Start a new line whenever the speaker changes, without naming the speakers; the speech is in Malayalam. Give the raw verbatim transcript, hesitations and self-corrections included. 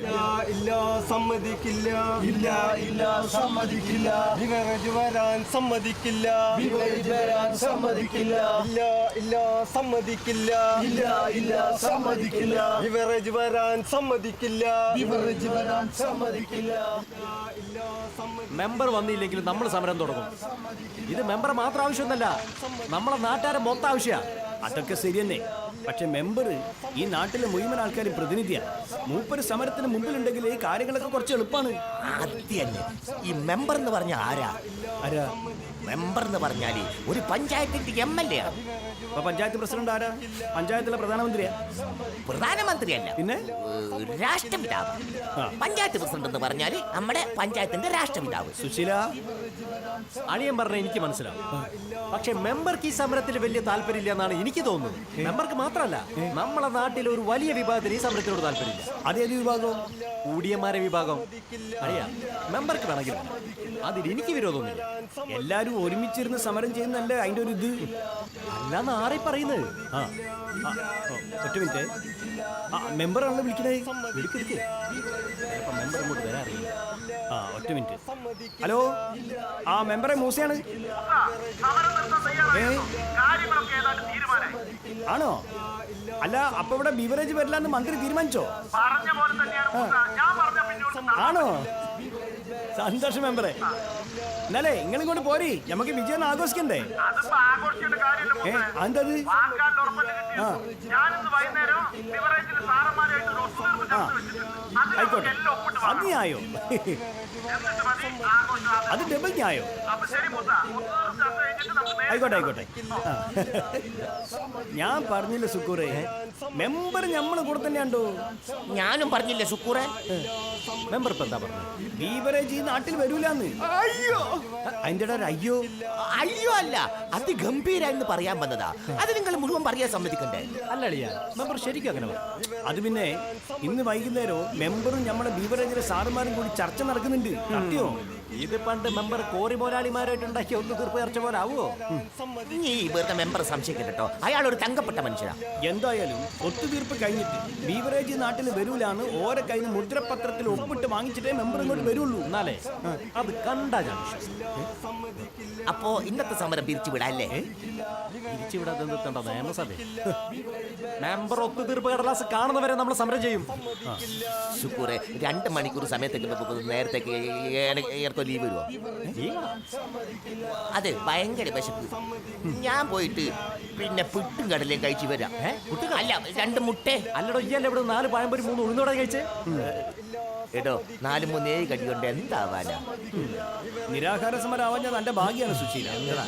ഇല്ല സമ്മതിക്കില്ല
ഇല്ല ഇല്ല സമ്മതിക്കില്ല
ബിവറേജ് വരാൻ സമ്മതിക്കില്ല
ബിവറേജ് വരാൻ സമ്മതിക്കില്ല
ഇല്ല ഇല്ല സമ്മതിക്കില്ല
ഇല്ല ഇല്ല സമ്മതിക്കില്ല
ബിവറേജ് വരാൻ സമ്മതിക്കില്ല
ബിവറേജ് വരാൻ സമ്മതിക്കില്ല.
ഇല്ല സമ്മതി
മെമ്പർ വന്നില്ലെങ്കിലും നമ്മൾ സമരം തുടങ്ങും. ഇത് മെമ്പർ മാത്രം ആവശ്യമൊന്നല്ല, നമ്മളെ നാട്ടുകാരെ മൊത്തം ആവശ്യമാണ്. അതൊക്കെ ശരി തന്നെ. പക്ഷെ മെമ്പർ ഈ നാട്ടിലെ മുഴുവൻ ആൾക്കാരും പ്രതിനിധിയാണ്. മൂപ്പര് സമരത്തിന് മുമ്പിലുണ്ടെങ്കിൽ ഈ കാര്യങ്ങളൊക്കെ കുറച്ച് എളുപ്പമാണ്.
ആദ്യല്ലേ ഈ മെമ്പർ എന്ന് പറഞ്ഞ ആരാ?
ആരാ
മെമ്പർ എന്ന് പറഞ്ഞാല് ഒരു പഞ്ചായത്തിന്റെ എം എൽ എ ആണ്.
ഇപ്പൊ പഞ്ചായത്ത് പ്രസിഡന്റ് ആരാ? പഞ്ചായത്തിലെ പ്രധാനമന്ത്രിയാ?
പ്രധാനമന്ത്രിയല്ല,
പിന്നെ
ഏഹ്, രാഷ്ട്രപിതാവ്. പഞ്ചായത്ത് പ്രസിഡന്റ് എന്ന് പറഞ്ഞാല് നമ്മുടെ പഞ്ചായത്തിന്റെ രാഷ്ട്രപിതാവ്.
സുശീല, അളിയൻ പറഞ്ഞ എനിക്ക് മനസ്സിലാവും. പക്ഷെ മെമ്പർക്ക് ഈ സമരത്തിൽ വലിയ താല്പര്യമില്ല എന്നാണ് എനിക്ക് തോന്നുന്നത്. മെമ്പർക്ക് മാത്രമല്ല, നമ്മളെ നാട്ടിലെ ഒരു വലിയ വിഭാഗത്തിന് ഈ സമരത്തിനോട് താല്പര്യമില്ല. അതേത് വിഭാഗം? ഊടിയന്മാരെ വിഭാഗം. അറിയാ, മെമ്പർക്ക് വേണമെങ്കിൽ അതിൽ എനിക്ക് വിരോധമൊന്നുമില്ല. എല്ലാരും ഒരുമിച്ചിരുന്ന് സമരം ചെയ്യുന്നല്ലേ അതിന്റെ ഒരു ഇത്. അല്ലാന്ന് ആരെ പറയുന്നത്? ആ ആ, ഓ, ഒറ്റ മിനിറ്റ്. ആ മെമ്പറാണല്ലോ വിളിക്കണേ. വിളിക്കെടുക്ക്. ചിലപ്പോ മെമ്പർ അങ്ങോട്ട് വരാൻ അറിയില്ല. ആ ഒറ്റ മിനിറ്റ്. ഹലോ, ആ മെമ്പറെ മൂസയാണ്. ഏ ആണോ? അല്ല, അപ്പൊ ഇവിടെ ബിവറേജ് വരില്ല എന്ന് മന്ത്രി തീരുമാനിച്ചോ? ആണോ? സന്തോഷം മെമ്പറെ. എന്നാലേ നിങ്ങൾ ഇങ്ങോട്ട് പോരി, നമുക്ക് വിജയം ആഘോഷിക്കണ്ടേ? ഏ അതെന്തത്? ആ ആയിക്കോട്ടെ, അത് ന്യായോ? അത് ഡബിൾ ന്യായോ? ആയിക്കോട്ടെ ആയിക്കോട്ടെ. ഞാൻ പറഞ്ഞില്ല സുക്കൂറെ, മെമ്പർ നമ്മളെ കൂടെ തന്നെയാണ്ടോ.
ഞാനും പറഞ്ഞില്ലേ സുക്കൂറെ?
മെമ്പർ ഇപ്പൊ എന്താ പറഞ്ഞു? ബീവറേജ് ഈ നാട്ടിൽ വരൂലെന്ന്. അയ്യോ, അതിന്റെ ഒരു അയ്യോ
അയ്യോ അല്ല, അതിഗംഭീരാന്ന് പറയാൻ വന്നതാ. അത് നിങ്ങൾ മുഴുവൻ പറയാൻ സമ്മതിക്കണ്ടേ?
അല്ല അളിയ, മെമ്പർ ശരിക്കും അങ്ങനെ പറഞ്ഞു. അത് പിന്നെ ഇന്ന് വൈകുന്നേരവും മെമ്പറും നമ്മുടെ ബീവറേജിലെ സാറുമാരും കൂടി ചർച്ച നടക്കുന്നുണ്ട്. സത്യോ? ഇത് പണ്ട് മെമ്പർ കോറി മോലാളിമാരായിട്ട് ഉണ്ടാക്കിയ ഒന്ന് തീർപ്പ് ചർച്ച പോലെ ആവുമോ?
നീ വെറുതെ മെമ്പർ സംശയിക്കട്ടോ, അയാൾ ഒരു തങ്കപ്പെട്ട മനുഷ്യനാ.
എന്തായാലും ഒത്തുതീർപ്പ് കഴിഞ്ഞിട്ട് ബീവറേജ് നാട്ടിൽ വരൂലാന്ന് ഓരോ കയ്യിൽ നിന്ന് മുദ്രപത്രത്തിൽ ഒപ്പിട്ട് വാങ്ങിച്ചിട്ടേ മെമ്പർ ഇങ്ങോട്ട് വരുള്ളൂ. എന്നാലേ അത് കണ്ടാ ഞാൻ വിശ്വസിക്കും.
അപ്പോ ഇന്നത്തെ സമരം പിരിച്ചു വിടാല്ലേ?
തിരിച്ചുവിടാതെ നിർത്തേണ്ട നിയമസഭ. മെമ്പർ ഒത്തുതീർപ്പ് കടലാസ് കാണുന്നവരെ നമ്മൾ സമരം ചെയ്യും.
ശുക്കൂറെ, രണ്ട് മണിക്കൂർ സമയത്തേക്ക് നേരത്തേക്ക് ഏർക്കോ ലീവ് വരുമോ? അതെ, ഭയങ്കര വിശപ്പ്. ഞാൻ പോയിട്ട് പിന്നെ പുട്ടും കടലയും കഴിച്ചു വരാം. അല്ല, രണ്ട് മുട്ടേ.
അല്ലടോ, ഇയല്ലേ ഇവിടെ നാല് പഴംപൊരി മൂന്ന് ഉഴുന്നോടെ കഴിച്ചേ?
എടോ, നാല് മൂന്ന് ഏഴ് കടി കൊണ്ട് എന്താവാനാ?
നിരാഹാര സമരം ആവാൻ ഞാൻ എന്റെ ഭാഗ്യാണ് സുശീല.